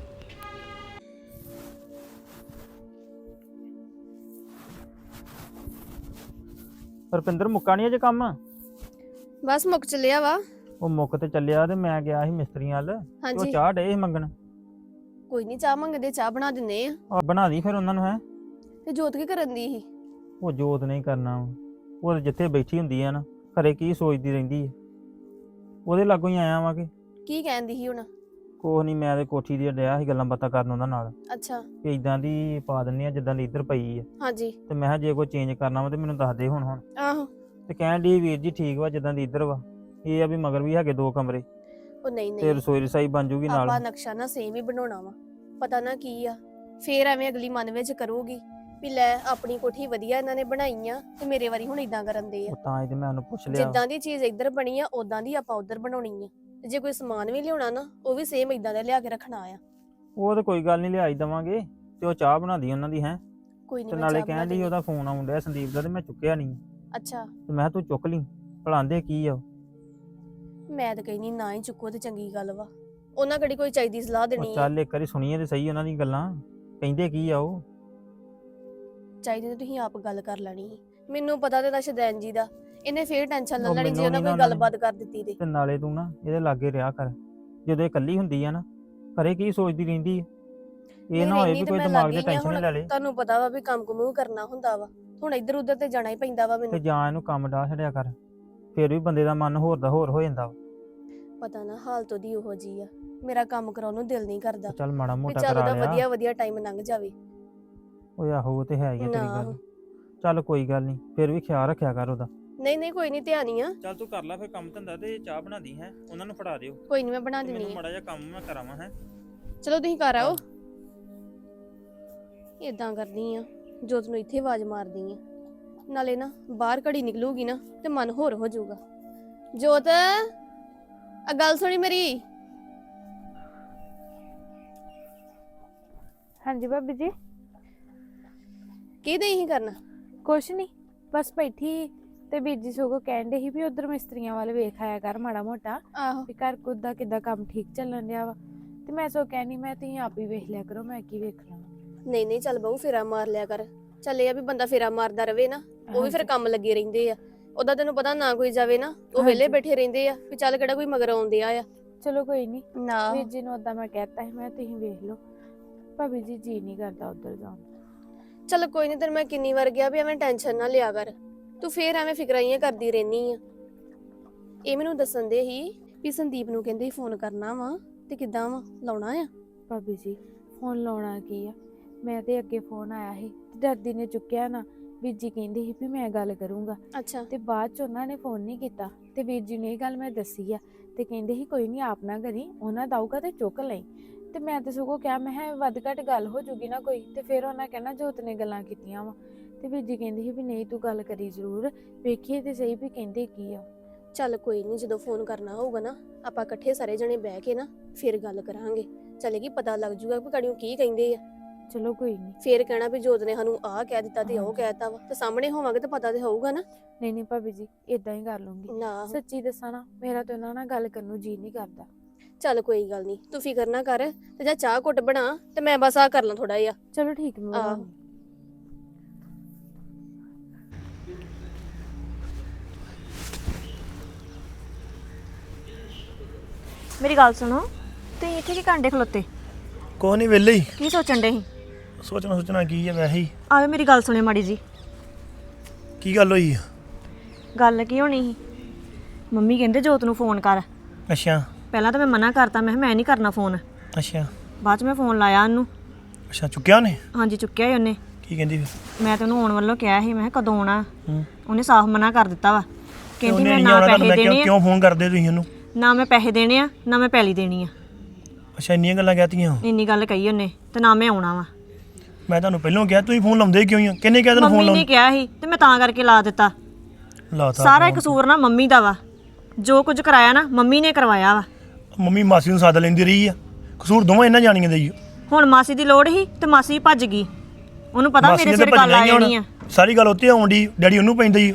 Speaker 1: ਰੁਪਿੰਦਰ ਮੁੱਕਾ ਨਹੀਂ ਅਜੇ ਕੰਮ?
Speaker 5: ਬਸ ਮੁੱਕ ਚੱਲਿਆ ਵਾ।
Speaker 1: ਉਹ ਮੁੱਕ ਤੇ ਚੱਲਿਆ ਤੇ ਮੈਂ ਗਿਆ ਸੀ ਮਿਸਤਰੀਆਂ ਵੱਲ, ਤੇ ਉਹ
Speaker 5: ਹਾਂਜੀ
Speaker 1: ਚਾਹ ਡੇ ਸੀ ਮੰਗਣ।
Speaker 5: ਕੋਈ ਨਹੀਂ, ਚਾਹ ਮੰਗਦੇ ਚਾਹ ਬਣਾ ਦਿੰਨੇ ਆ।
Speaker 1: ਆ ਬਣਾ ਦੀ ਫਿਰ ਉਹਨਾਂ ਨੂੰ। ਹੈ
Speaker 5: ਤੇ ਜੋਤ ਕੀ ਕਰਨ ਦੀ ਸੀ?
Speaker 1: ਉਹ ਜੋਤ ਨਹੀਂ ਕਰਨਾ, ਉਹ ਤੇ ਜਿੱਥੇ ਬੈਠੀ ਹੁੰਦੀ ਆ ਨਾ, ਘਰੇ ਕੀ ਸੋਚਦੀ ਰਹਿੰਦੀ ਹੈ, ਉਹਦੇ ਲਾਗੋਂ ਹੀ ਆਇਆ ਵਾਂ। ਕਿ
Speaker 5: ਕੀ ਕਹਿੰਦੀ ਸੀ ਹੁਣ?
Speaker 1: ਕੋਹ ਨਹੀਂ, ਮੈਂ ਤੇ ਕੋਠੀ ਦੀ ਡਿਆ ਸੀ ਗੱਲਾਂ ਬਾਤਾਂ ਕਰਨ ਉਹਨਾਂ ਨਾਲ
Speaker 5: ਅੱਛਾ
Speaker 1: ਕਿ ਇਦਾਂ ਦੀ ਪਾ ਦਿੰਨੀ ਆ ਜਿੱਦਾਂ ਦੀ ਇੱਧਰ ਪਈ ਆ,
Speaker 5: ਹਾਂਜੀ
Speaker 1: ਤੇ ਮੈਂ ਕਿਹਾ ਜੇ ਕੋਈ ਚੇਂਜ ਕਰਨਾ ਵਾ ਤੇ ਮੈਨੂੰ ਦੱਸ ਦੇ ਹੁਣ।
Speaker 5: ਆਹੋ।
Speaker 1: ਤੇ ਕਹਿਣ ਦੀ ਵੀਰ ਜੀ ਠੀਕ ਵਾ ਜਿੱਦਾਂ ਦੀ ਇੱਧਰ ਵਾ, ਇਹ ਆ ਵੀ ਮਗਰ ਵੀ ਹੈਗੇ 2 ਕਮਰੇ
Speaker 5: ਉਹ ਨਹੀਂ
Speaker 1: ਤੇ
Speaker 5: ਨਹੀਂ,
Speaker 1: ਰਸੋਈ ਰਸਾਈ ਬਣ ਜੂਗੀ ਨਾਲ।
Speaker 5: ਆਪਾਂ ਨਕਸ਼ਾ ਨਾ ਸੇਮ ਹੀ ਬਣਾਉਣਾ ਵਾ। ਪਤਾ ਨਾ ਕੀ ਆ, ਫੇਰ ਐਵੇਂ ਅਗਲੀ ਮਨ ਵਿੱਚ ਕਰੂਗੀ ਵੀ ਲੈ ਆਪਣੀ ਕੋਠੀ ਵਧੀਆ ਇਹਨਾਂ ਨੇ ਬਣਾਈ ਆ ਤੇ ਮੇਰੇ ਵਾਰੀ ਹੁਣ ਇਦਾਂ ਕਰਨ ਦੇ ਆ।
Speaker 1: ਉਹ ਤਾਂ ਹੀ ਤੇ ਮੈਂ ਉਹਨੂੰ ਪੁੱਛ ਲਿਆ।
Speaker 5: ਜਿੱਦਾਂ ਦੀ ਚੀਜ਼ ਇੱਧਰ ਬਣੀ ਆ ਉਦਾਂ ਦੀ ਆਪਾਂ ਉੱਧਰ ਬਣਾਉਣੀ ਆ। ਤੇ ਜੇ ਕੋਈ ਸਮਾਨ ਵੀ ਲਿਆਉਣਾ ਨਾ, ਉਹ ਵੀ ਸੇਮ ਇਦਾਂ ਦਾ ਲਿਆ ਕੇ ਰੱਖਣਾ ਆ।
Speaker 1: ਉਹ ਤੇ ਕੋਈ ਗੱਲ ਨਹੀਂ, ਲਿਆਈ ਦਵਾਂਗੇ। ਤੇ ਉਹ ਚਾਹ ਬਣਾਦੀ ਉਹਨਾਂ ਦੀ। ਹੈ
Speaker 5: ਕੋਈ
Speaker 1: ਤੇ
Speaker 5: ਨਹੀਂ,
Speaker 1: ਨਾਲੇ ਕਹਿਣ ਦੀ ਉਹਦਾ ਫੋਨ ਆਉਣ ਡਿਆ ਸੰਦੀਪ ਦਾ, ਤੇ ਮੈਂ ਚੁੱਕਿਆ ਨਹੀਂ।
Speaker 5: ਅੱਛਾ
Speaker 1: ਤੇ ਮੈਂ ਕਿਹਾ ਤੂੰ ਚੁੱਕ ਲਈ, ਭਲਾਂਦੇ ਕੀ ਆ ਉਹ।
Speaker 5: ਮੈਂ ਤਾਂ ਕਹਿੰਦੀ ਨਾ ਹੀ ਚੁੱਕੋ ਤੇ ਚੰਗੀ ਗੱਲ ਵਾ। ਉਹਨਾਂ ਕਿਹੜੀ ਕੋਈ ਚਾਹੀਦੀ ਸਲਾਹ ਦੇਣੀ
Speaker 1: ਉਹ
Speaker 5: ਆ?
Speaker 1: ਚੱਲ ਇੱਕ ਵਾਰੀ ਸੁਣੀਏ ਤੇ ਸਹੀ ਉਹਨਾਂ ਦੀ ਗੱਲਾਂ, ਕਹਿੰਦੇ ਕੀ ਆ ਉਹ।
Speaker 5: ਚਾਹੀਦੀ ਤੇ ਤੁਸੀਂ ਆਪ ਗੱਲ ਕਰ ਲੈਣੀ ਸੀ। ਮੈਨੂੰ ਪਤਾ ਤੇ ਸ਼ਦੈਨ ਜੀ ਦਾ, ਇਹਨੇ ਫੇਰ ਟੈਨਸ਼ਨ ਲੈ
Speaker 1: ਉਹ
Speaker 5: ਲੈਣੀ ਜੇ
Speaker 1: ਮੈਨੂੰ
Speaker 5: ਉਹਨਾਂ
Speaker 1: ਨੀ
Speaker 5: ਕੋਈ
Speaker 1: ਨਾ
Speaker 5: ਗੱਲਬਾਤ ਕਰ ਦਿੱਤੀ ਤੇ।
Speaker 1: ਤੇ ਨਾਲੇ ਤੂੰ ਨਾ ਇਹਦੇ ਲਾਗੇ ਰਿਹਾ ਕਰ, ਜਦੋਂ ਇਹ ਇਕੱਲੀ ਹੁੰਦੀ ਆ ਨਾ, ਘਰੇ ਕੀ ਸੋਚਦੀ ਰਹਿੰਦੀ ਆ। ਇਹ ਨਾ ਹੋਏ ਵੀ ਕੋਈ ਦਿਮਾਗ 'ਚ ਟੈਨਸ਼ਨ ਲੈ ਲੇ।
Speaker 5: ਤੁਹਾਨੂੰ ਪਤਾ ਵਾ ਵੀ ਕੰਮ ਕੁਮੂ ਕਰਨਾ ਹੁੰਦਾ ਵਾ, ਹੁਣ ਇੱਧਰ ਉੱਧਰ ਤੇ ਜਾਣਾ ਹੀ ਪੈਂਦਾ ਵਾ
Speaker 1: ਤੇ
Speaker 5: ਮੈਨੂੰ।
Speaker 1: ਜਾਂ ਇਹਨੂੰ ਕੰਮ ਡਾਹ ਛੱਡਿਆ ਕਰ, ਫਿਰ ਵੀ ਬੰਦੇ ਦਾ ਮਨ ਹੋਰ ਦਾ ਹੋਰ ਹੋ ਜਾਂਦਾ ਵਾ।
Speaker 5: ਪਤਾ ਨਾ ਹਾਲਤ ਉਹਦੀ ਉਹੋ ਜੀ ਆ, ਮੇਰਾ ਕੰਮ ਕਰਾਉਣ ਨੂੰ ਦਿਲ ਨਹੀਂ ਕਰਦਾ
Speaker 1: ਤੇ ਚੱਲ ਮਾੜਾ
Speaker 5: ਵੀ
Speaker 1: ਮੋਟਾ
Speaker 5: ਚੱਲ
Speaker 1: ਕਰਾ
Speaker 5: ਉਹਦਾ
Speaker 1: ਲਿਆ।
Speaker 5: ਵਧੀਆ ਵਧੀਆ ਟਾਈਮ ਲੰਘ ਜਾਵੇ।
Speaker 1: ਉਹ ਆਹੋ ਉਹ ਤੇ ਹੈ ਹੀ ਆ ਤੇਰੀ
Speaker 5: ਨਾ।
Speaker 1: ਗੱਲ। ਚੱਲ ਕੋਈ ਗੱਲ ਨਹੀਂ, ਫਿਰ ਵੀ ਖਿਆਲ ਰੱਖਿਆ ਕਰ ਉਹਦਾ।
Speaker 5: ਨਹੀਂ ਨਹੀਂ ਕੋਈ ਨਹੀਂ, ਧਿਆਨ ਹੀ ਆ।
Speaker 1: ਚੱਲ ਤੂੰ ਕਰ ਲੈ ਫਿਰ ਕੰਮ ਧੰਦਾ, ਤੇ ਚਾਹ ਬਣਾਦੀ ਹੈ ਉਹਨਾਂ ਨੂੰ ਫੜਾ ਦਿਓ।
Speaker 5: ਕੋਈ ਨਹੀਂ, ਮੈਂ ਬਣਾ ਦਿੰਨੀ ਆ।
Speaker 1: ਮਾੜਾ ਜਿਹਾ ਕੰਮ ਮੈਂ ਕਰਾਵਾਂ। ਹੈ
Speaker 5: ਚਲੋ ਤੁਸੀਂ ਘਰ ਆਓ। ਇਦਾਂ ਕਰਦੀ ਆ, ਜੋਤ ਨੂੰ ਇੱਥੇ ਆਵਾਜ਼ ਮਾਰਦੀ ਆ, ਨਾਲੇ ਨਾ ਬਾਹਰ ਘੜੀ ਨਿਕਲੂਗੀ ਨਾ ਤੇ ਮਨ ਹੋਰ ਹੋ ਜਾਊਗਾ। ਜੋਤ ਆ ਗੱਲ ਸੁਣੀ ਮੇਰੀ।
Speaker 2: ਹਾਂਜੀ ਭਾਬੀ ਜੀ।
Speaker 5: ਕੀ ਦੇਈ ਹੀ ਕਰਨਾ?
Speaker 2: ਕੁਛ ਨਹੀਂ, ਬਸ ਬੈਠੀ ਤੇ ਵੀਰ ਜੀ ਸਗੋਂ ਕਹਿਣ ਦੇ ਸੀ ਵੀ ਉਧਰ ਮਿਸਤਰੀਆਂ ਵੱਲ ਵੇਖ ਆਇਆ ਕਰ ਮਾੜਾ ਮੋਟਾ,
Speaker 5: ਆਹੋ
Speaker 2: ਵੀ ਘਰ ਕੁਦ ਦਾ ਕਿੱਦਾਂ ਕੰਮ ਠੀਕ ਚੱਲਣ ਡਿਆ ਵਾ। ਤੇ ਮੈਂ ਸੋ ਕਹਿਣੀ, ਮੈਂ ਤੁਸੀਂ ਆਪ ਹੀ ਵੇਖ ਲਿਆ ਕਰੋ, ਮੈਂ ਕੀ ਵੇਖਣਾ।
Speaker 5: ਨਹੀਂ ਨਹੀਂ, ਚੱਲ ਬਹੂ ਫੇਰਾ ਮਾਰ ਲਿਆ ਕਰ। ਚੱਲ ਇਹ ਆ ਵੀ ਬੰਦਾ ਫੇਰਾ ਮਾਰਦਾ ਰਵੇ ਨਾ, ਉਹ ਵੀ ਫਿਰ ਕੰਮ ਲੱਗੇ ਰਹਿੰਦੇ ਆ। ਉਹਦਾ ਤੈਨੂੰ ਪਤਾ ਨਾ ਕੋਈ ਜਾਵੇ ਨਾ, ਉਹ ਵਿਹਲੇ ਬੈਠੇ ਰਹਿੰਦੇ ਆ ਵੀ ਚੱਲ ਕਿਹੜਾ ਕੋਈ ਮਗਰ ਆਉਂਦੇ ਆ।
Speaker 2: ਚਲੋ ਕੋਈ ਨਹੀਂ,
Speaker 5: ਨਾ
Speaker 2: ਵੀਰ ਜੀ ਨੂੰ ਉਦਾਂ ਮੈਂ ਕਹਿਤਾ ਸੀ, ਮੈਂ ਤੁਸੀਂ ਵੇਖ ਲਓ। ਭਾਬੀ ਜੀ ਨਹੀਂ ਕਰਦਾ ਉਧਰ ਜਾਣ।
Speaker 5: ਚੱਲ ਕੋਈ ਨਹੀਂ, ਤੈਨੂੰ ਮੈਂ ਕਿੰਨੀ ਵਾਰ ਗਿਆ ਵੀ ਐਵੇਂ ਟੈਨਸ਼ਨ ਨਾ ਲਿਆ ਕਰ, ਤੂੰ ਫੇਰ ਐਵੇਂ ਫਿਕਰਾਈਆਂ ਕਰਦੀ ਰਹਿਨੀ ਆ। ਇਹ ਮੈਨੂੰ ਦੱਸਣ ਦੇ ਹੀ ਵੀ ਸੰਦੀਪ ਨੂੰ ਕਹਿੰਦੇ ਫੋਨ ਕਰਨਾ ਵਾ, ਤੇ ਕਿੱਦਾਂ ਵਾ ਲਾਉਣਾ ਆ?
Speaker 2: ਭਾਬੀ ਜੀ ਫੋਨ ਲਾਉਣਾ ਕੀ ਆ, ਮੈਂ ਤੇ ਅੱਗੇ ਫੋਨ ਆਇਆ ਸੀ ਤੇ ਡਰਦੀ ਨੇ ਚੁੱਕਿਆ ਨਾ। ਵੀਰ ਜੀ ਕਹਿੰਦੇ ਸੀ ਵੀ ਮੈਂ ਗੱਲ ਕਰੂੰਗਾ,
Speaker 5: ਅੱਛਾ
Speaker 2: ਤੇ ਬਾਅਦ ਚ ਉਹਨਾਂ ਨੇ ਫੋਨ ਨਹੀਂ ਕੀਤਾ। ਤੇ ਵੀਰ ਜੀ ਨੇ ਇਹ ਗੱਲ ਮੈਂ ਦੱਸੀ ਆ, ਤੇ ਕਹਿੰਦੇ ਸੀ ਕੋਈ ਨਹੀਂ ਆਪ ਨਾ ਕਰੀ, ਉਹਨਾਂ ਦਾ ਆਊਗਾ ਤੇ ਚੁੱਕ ਲਈ। ਤੇ ਮੈਂ ਤੇ ਸਗੋਂ ਕਿਹਾ, ਮੈਂ ਕਿਹਾ ਵੱਧ ਘੱਟ ਗੱਲ ਹੋ ਜੂਗੀ ਨਾ ਕੋਈ, ਤੇ ਫਿਰ ਉਹਨਾਂ ਕਹਿਣਾ ਜੋਤ ਨੇ ਗੱਲਾਂ ਕੀਤੀਆਂ ਵਾ। ਤੇ ਵੀਰ ਜੀ ਕਹਿੰਦੇ ਸੀ ਵੀ ਨਹੀਂ ਤੂੰ ਗੱਲ ਕਰੀ ਜ਼ਰੂਰ, ਵੇਖੀਏ ਤੇ ਸਹੀ ਵੀ ਕਹਿੰਦੇ ਕੀ ਆ।
Speaker 5: ਚੱਲ ਕੋਈ ਨਹੀਂ, ਜਦੋਂ ਫੋਨ ਕਰਨਾ ਹੋਊਗਾ ਨਾ ਆਪਾਂ ਇਕੱਠੇ ਸਾਰੇ ਜਣੇ ਬਹਿ ਕੇ ਨਾ ਫਿਰ ਗੱਲ ਕਰਾਂਗੇ। ਚਲੇਗੀ ਪਤਾ ਲੱਗ ਜੂਗਾ ਕਿ ਕੜੀਓ ਕੀ ਕਹਿੰਦੇ ਆ।
Speaker 2: ਚਲੋ ਕੋਈ ਨਹੀਂ।
Speaker 5: ਫੇਰ ਕਹਿਣਾ ਵੀ ਜੋਤ ਨੇ ਸਾਨੂੰ ਆਹ ਕਹਿ ਦਿੱਤਾ ਤੇ ਉਹ ਕਹਿਤਾ ਵਾ, ਤੇ ਸਾਹਮਣੇ ਹੋਵਾਂਗੇ ਤਾਂ ਪਤਾ ਤੇ ਹੋਊਗਾ ਨਾ।
Speaker 2: ਨਹੀਂ ਨਹੀਂ ਭਾਬੀ ਜੀ, ਇਦਾਂ ਹੀ ਕਰ ਲੂੰਗੀ।
Speaker 5: ਨਾ
Speaker 2: ਸੱਚੀ ਦੱਸਾਂ ਨਾ, ਮੇਰਾ ਤੇ ਉਹਨਾਂ ਨਾਲ ਗੱਲ ਕਰਨ ਨੂੰ ਜੀ ਨਹੀਂ ਕਰਦਾ।
Speaker 5: ਚੱਲ ਕੋਈ ਗੱਲ ਨਹੀਂ, ਤੂੰ ਫਿਕਰ ਨਾ ਕਰ ਤੇ ਜਾ ਚਾਹ ਘੁੱਟ ਬਣਾ ਤੇ ਮੈਂ ਬਸ ਆ ਕਰ ਲਾਂ ਥੋੜਾ ਜਿਹਾ।
Speaker 2: ਚਲੋ ਠੀਕ ਮੰਮੀ।
Speaker 5: ਆਹੋ।
Speaker 4: ਮੇਰੀ ਗੱਲ ਸੁਣੋ, ਤੁਸੀਂ ਇੱਥੇ ਕੀ ਕਾਂਡੇ ਖਲੋਤੇ?
Speaker 6: ਕੋਈ ਨਹੀਂ ਵਿਹਲੇ ਹੀ
Speaker 4: ਕੀ ਸੋਚਣ ਡੇ ਸੀ?
Speaker 6: ਸੋਚਣਾ ਕੀ ਹੈ ਵੈਸੇ ਹੀ।
Speaker 4: ਆਵੇ ਮੇਰੀ ਗੱਲ ਸੁਣਿਓ ਮਾੜੀ ਜੀ।
Speaker 6: ਕੀ ਗੱਲ ਹੋਈ ਆ?
Speaker 4: ਗੱਲ ਕੀ ਹੋਣੀ ਸੀ, ਮੰਮੀ ਕਹਿੰਦੇ ਜੋਤ ਨੂੰ ਫੋਨ ਕਰ।
Speaker 6: ਅੱਛਾ
Speaker 4: ਪਹਿਲਾਂ ਤਾਂ ਮੈਂ ਮਨਾ ਕਰਤਾ, ਮੈਂ ਕਿਹਾ ਮੈਂ ਨਹੀਂ ਕਰਨਾ ਫੋਨ।
Speaker 6: ਅੱਛਾ
Speaker 4: ਬਾਅਦ 'ਚ ਮੈਂ ਫੋਨ ਲਾਇਆ ਉਹਨੂੰ।
Speaker 6: ਅੱਛਾ ਚੁੱਕਿਆ ਉਹਨੇ?
Speaker 4: ਹਾਂਜੀ ਚੁੱਕਿਆ ਹੀ ਉਹਨੇ।
Speaker 6: ਕੀ ਕਹਿੰਦੀ ਫਿਰ?
Speaker 4: ਮੈਂ ਤਾਂ ਉਹਨੂੰ ਆਉਣ ਵੱਲੋਂ ਕਿਹਾ ਸੀ, ਮੈਂ ਕਿਹਾ ਕਦੋਂ ਆਉਣਾ।
Speaker 6: ਹੂੰ
Speaker 4: ਉਹਨੇ ਸਾਫ਼ ਮਨਾ ਕਰ ਦਿੱਤਾ ਵਾ। ਕਹਿੰਦੀ
Speaker 6: ਉਹਨੇ
Speaker 4: ਮੈਂ
Speaker 6: ਨਹੀਂ
Speaker 4: ਨਾ
Speaker 6: ਆਉਣਾ ਤਾਂ
Speaker 4: ਪੈਸੇ
Speaker 6: ਮੈਂ
Speaker 4: ਦੇਣੇ ਆ,
Speaker 6: ਕਿਉਂ ਫੋਨ ਕਰਦੇ ਤੁਸੀਂ ਉਹਨੂੰ?
Speaker 4: ਨਾ ਮੈਂ ਪੈਸੇ ਦੇਣੇ ਆ, ਨਾ ਮੈਂ ਪੈਲੀ ਦੇਣੀ ਆ।
Speaker 6: ਅੱਛਾ ਇੰਨੀਆਂ ਗੱਲਾਂ ਕਹਿਤੀਆਂ?
Speaker 4: ਇੰਨੀ ਗੱਲ ਕਹੀ ਉਹਨੇ, ਤੇ ਨਾ ਮੈਂ ਆਉਣਾ ਵਾ।
Speaker 6: ਮੈਂ ਤੁਹਾਨੂੰ ਪਹਿਲਾਂ ਕਿਹਾ ਤੁਸੀਂ ਫੋਨ ਲਾਉਂਦੇ ਕਿਉਂ ਆ? ਕਿੰਨੇ ਕਿਹਾ ਤੈਨੂੰ ਫੋਨ
Speaker 4: ਮੰਮੀ ਨੇ ਕਿਹਾ ਸੀ ਤੇ ਮੈਂ ਤਾਂ ਕਰਕੇ ਲਾ ਦਿੱਤਾ।
Speaker 6: ਲਾਤਾ
Speaker 4: ਸਾਰਾ ਕਸੂਰ ਨਾ ਮੰਮੀ ਦਾ ਵਾ। ਜੋ ਕੁਝ ਕਰਾਇਆ ਨਾ ਮੰਮੀ ਨੇ ਕਰਵਾਇਆ ਵਾ।
Speaker 6: ਮੰਮੀ ਮਾਸੀ ਨੂੰ ਸੱਦ ਲੈਂਦੀ ਰਹੀ ਆ, ਕਸੂਰ ਦੋਵਾਂ ਇਹਨਾਂ ਜਾਣੀਆਂ ਦਾ ਹੀ ਆ।
Speaker 4: ਹੁਣ ਮਾਸੀ ਦੀ ਲੋੜ ਸੀ ਤੇ ਮਾਸੀ ਭੱਜ ਗਈ। ਉਹਨੂੰ ਪਤਾ
Speaker 6: ਮਾਸੀ
Speaker 4: ਮੇਰੇ
Speaker 6: ਨੇ
Speaker 4: ਸਿਰ
Speaker 6: ਤਾਂ
Speaker 4: ਗੱਲ ਆ
Speaker 6: ਭੱਜਣਾ ਹੀ
Speaker 4: ਜਾਣੀ ਆ।
Speaker 6: ਹੁਣ, ਸਾਰੀ ਗੱਲ ਉੱਤੇ ਆਉਣ ਦੀ, ਡੈਡੀ ਉਹਨੂੰ ਪੈਂਦਾ ਹੀ।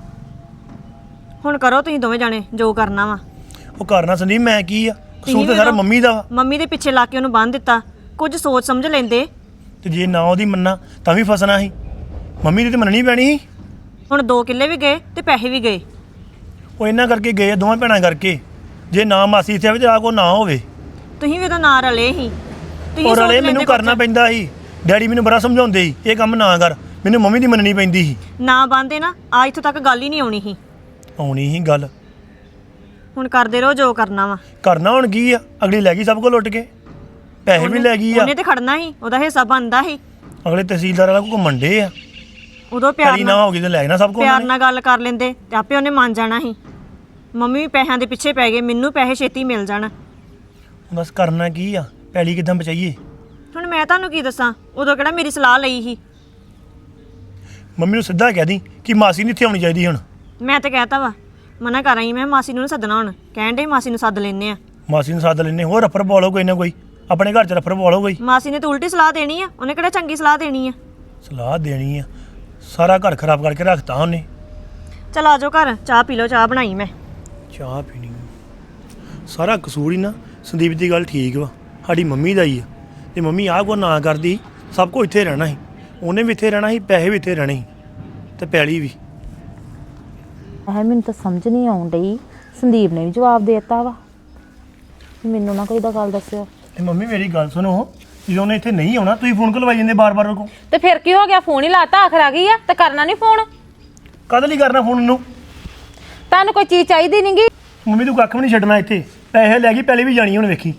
Speaker 4: ਹੁਣ ਕਰੋ ਤੁਸੀਂ ਦੋਵੇਂ ਜਾਣੇ ਜੋ ਕਰਨਾ ਵਾ।
Speaker 6: ਉਹ ਕਰਨਾ ਸੰਦੀਪ, ਮੈਂ ਕੀ ਆ? ਕਸੂਰ
Speaker 4: ਤੁਸੀਂ
Speaker 6: ਤਾਂ ਸਾਰਾ
Speaker 4: ਵੀ
Speaker 6: ਮੰਮੀ ਦਾ ਵਾ।
Speaker 4: ਮੰਮੀ ਦੇ ਪਿੱਛੇ ਲਾ ਕੇ ਉਹਨੂੰ ਬੰਨ੍ਹ ਦਿੱਤਾ। ਕੁਝ ਸੋਚ ਸਮਝ ਲੈਂਦੇ।
Speaker 6: ਤੇ ਜੇ ਨਾ ਉਹਦੀ ਮੰਨਾ ਤਾਂ ਵੀ ਫਸਣਾ ਸੀ। ਮੰਮੀ ਦੀ ਤੇ ਮੰਨਣੀ ਪੈਣੀ ਸੀ।
Speaker 4: ਹੁਣ 2 ਕਿੱਲੇ ਵੀ ਗਏ ਤੇ ਪੈਸੇ ਵੀ ਗਏ।
Speaker 6: ਉਹ ਇਹਨਾਂ ਕਰਕੇ ਗਏ ਆ, ਦੋਵਾਂ ਭੈਣਾਂ ਕਰਕੇ। ਜੇ ਨਾ ਮਾਸੀ ਇੱਥੇ ਆਵੇ ਤੇ ਆ ਕੋ ਨਾ ਹੋਵੇ।
Speaker 4: ਤੁਸੀਂ ਵੀ ਤਾਂ ਨਾ ਰਲੇ ਸੀ। ਤੁਸੀਂ
Speaker 6: ਔਰ
Speaker 4: ਸੋਚ
Speaker 6: ਹਲੇ ਮੈਨੂੰ
Speaker 4: ਲੈਂਦੇ
Speaker 6: ਕਰਨਾ
Speaker 4: ਕੁਝ।
Speaker 6: ਪੈਂਦਾ ਸੀ। ਡੈਡੀ ਮੈਨੂੰ ਬੜਾ ਸਮਝਾਉਂਦੇ ਸੀ ਇਹ ਕੰਮ ਨਾ ਕਰ, ਮੈਨੂੰ ਮੰਮੀ ਦੀ ਮੰਨਣੀ ਪੈਂਦੀ ਸੀ।
Speaker 4: ਨਾ ਬੰਦੇ ਨਾ ਆ ਇੱਥੋਂ ਤੱਕ ਗੱਲ ਹੀ ਨਹੀਂ ਆਉਣੀ ਸੀ।
Speaker 6: ਆਉਣੀ ਸੀ ਗੱਲ।
Speaker 4: ਹੁਣ ਕਰਦੇ ਰਹੋ ਜੋ ਕਰਨਾ ਵਾ।
Speaker 6: ਕਰਨਾ ਹੁਣ ਕੀ ਆ? ਅਗਲੀ ਲੈ ਗਈ ਸਭ ਕੁਝ ਲੁੱਟ ਕੇ, ਪੈਸੇ ਵੀ ਲੈ ਗਈ ਆ।
Speaker 4: ਉਹਨੇ ਤੇ ਖੜਨਾ ਸੀ, ਉਹਦਾ ਹਿੱਸਾ ਬਣਦਾ ਸੀ।
Speaker 6: ਅਗਲੇ ਤਹਿਸੀਲਦਾਰ ਵਾਲਾ ਕੋ ਘੁੰਮਣ ਡੇ ਆ।
Speaker 4: ਉਦੋਂ ਪਿਆਰ
Speaker 6: ਕਰੀ ਨਾ
Speaker 4: ਨਾਲ
Speaker 6: ਹੋ ਗਈ ਤੇ ਲੈ ਜਾਣਾ ਸਭ ਕੁਝ
Speaker 4: ਪਿਆਰ ਨਾਲ ਗੱਲ ਕਰ ਲੈਂਦੇ ਤੇ ਆਪੇ ਉਹਨੇ ਮੰਨ ਜਾਣਾ ਸੀ। ਮੰਮੀ ਵੀ ਪੈਸਿਆਂ ਦੇ ਪਿੱਛੇ ਪੈ ਗਏ, ਮੈਨੂੰ ਪੈਸੇ ਛੇਤੀ ਮਿਲ ਜਾਣ।
Speaker 6: ਬਸ ਕਰਨਾ ਕੀ ਆ? ਪੈਲੀ ਕਿਦਾਂ ਬਚਾਈਏ?
Speaker 4: ਹੁਣ ਮੈਂ ਤੁਹਾਨੂੰ ਕੀ ਦੱਸਾਂ, ਉਦੋਂ ਕਿਹੜਾ ਮੇਰੀ ਸਲਾਹ ਲਈ ਸੀ।
Speaker 6: ਮੰਮੀ ਨੂੰ ਸਿੱਧਾ ਕਹਿ ਦੀ ਕਿ ਮਾਸੀ ਨਹੀਂ ਇੱਥੇ ਆਉਣੀ ਚਾਹੀਦੀ। ਹੁਣ
Speaker 4: ਮੈਂ ਤੇ ਕਹਿਤਾ ਵਾ, ਮਨਾ ਕਰ ਆਈ ਮੈਂ ਮਾਸੀ ਨੂੰ ਨੀ ਸੱਦਣਾ। ਹੁਣ ਕਹਿਣ ਡੇ ਮਾਸੀ ਨੂੰ ਸੱਦ ਲੈਨੇ ਆ।
Speaker 6: ਮਾਸੀ ਨੂੰ ਸੱਦ ਲੈਨੇ, ਹੋਰ ਰਫਰ ਬੋਲੋ ਕੋਈ ਨਾ ਕੋਈ, ਆਪਣੇ ਘਰ 'ਚ ਰਫਰ ਬੋਲੋ ਕੋਈ।
Speaker 4: ਮਾਸੀ ਨੇ ਤਾਂ ਉਲਟੀ ਸਲਾਹ ਦੇਣੀ ਆ, ਉਹਨੇ ਕਿਹੜਾ ਚੰਗੀ ਸਲਾਹ ਦੇਣੀ ਆ।
Speaker 6: ਸਲਾਹ ਦੇਣੀ ਆ? ਸਾਰਾ ਘਰ ਖਰਾਬ ਕਰਕੇ ਰੱਖਤਾ ਉਹਨੇ।
Speaker 4: ਚਲ ਆ ਜਾਓ ਘਰ, ਚਾਹ ਪੀ ਲਓ। ਚਾਹ ਬਣਾਈ ਮੈਂ।
Speaker 6: ਚਾਹ ਪੀਣੀ ਸਾਰਾ ਕਸੂਰ ਹੀ ਨਾ ਸੰਦੀਪ ਦੀ ਗੱਲ ਠੀਕ ਵਾ, ਸਾਡੀ ਮੰਮੀ ਦਾ ਹੀ ਆ। ਤੇ ਮੰਮੀ ਆਹ ਕੋ ਨਾ ਕਰਦੀ ਸਭ ਕੁਝ ਇੱਥੇ ਰਹਿਣਾ ਸੀ। ਉਹਨੇ ਵੀ ਇੱਥੇ ਰਹਿਣਾ ਸੀ, ਪੈਸੇ ਵੀ ਇੱਥੇ ਰਹਿਣੇ ਸੀ, ਤੇ ਪੈਲੀ ਵੀ।
Speaker 3: ਮੈਨੂੰ ਤਾਂ ਸਮਝ ਨਹੀਂ ਆਉਣ ਡਈ। ਸੰਦੀਪ ਨੇ ਵੀ ਜਵਾਬ ਦੇ ਦਿੱਤਾ ਵਾ, ਮੈਨੂੰ ਨਾ ਕੋਈ ਦਾ ਗੱਲ ਦੱਸਿਓ।
Speaker 6: ਤੇ ਮੰਮੀ ਮੇਰੀ ਗੱਲ ਸੁਣੋ, ਜਦੋਂ ਉਹਨੇ ਇੱਥੇ ਨਹੀਂ ਆਉਣਾ ਤੁਸੀਂ ਫੋਨ ਕਰਵਾਈ ਜਾਂਦੇ ਬਾਰ-ਬਾਰ ਉਹਨੂੰ।
Speaker 3: ਤੇ ਫਿਰ ਕੀ ਹੋ ਗਿਆ? ਫੋਨ ਹੀ ਲਾਤਾ, ਆਖਰ ਆ ਗਈ ਆ ਤੇ ਕਰਨਾ ਨਹੀਂ ਫੋਨ।
Speaker 6: ਕਦ ਲਈ ਕਰਨਾ ਫੋਨ ਉਹਨੂੰ?
Speaker 3: ਤੁਹਾਨੂੰ ਕੋਈ ਚੀਜ਼ ਚਾਹੀਦੀ ਨਹੀਂਗੀ?
Speaker 6: ਮੰਮੀ ਤੂੰ ਕੱਖ ਵੀ ਨਹੀਂ ਛੱਡਣਾ ਇੱਥੇ, ਪੈਸੇ ਲੈ ਗਈ, ਪੈਲੀ ਵੀ ਜਾਣੀ ਹੁਣ ਵੇਖੀ।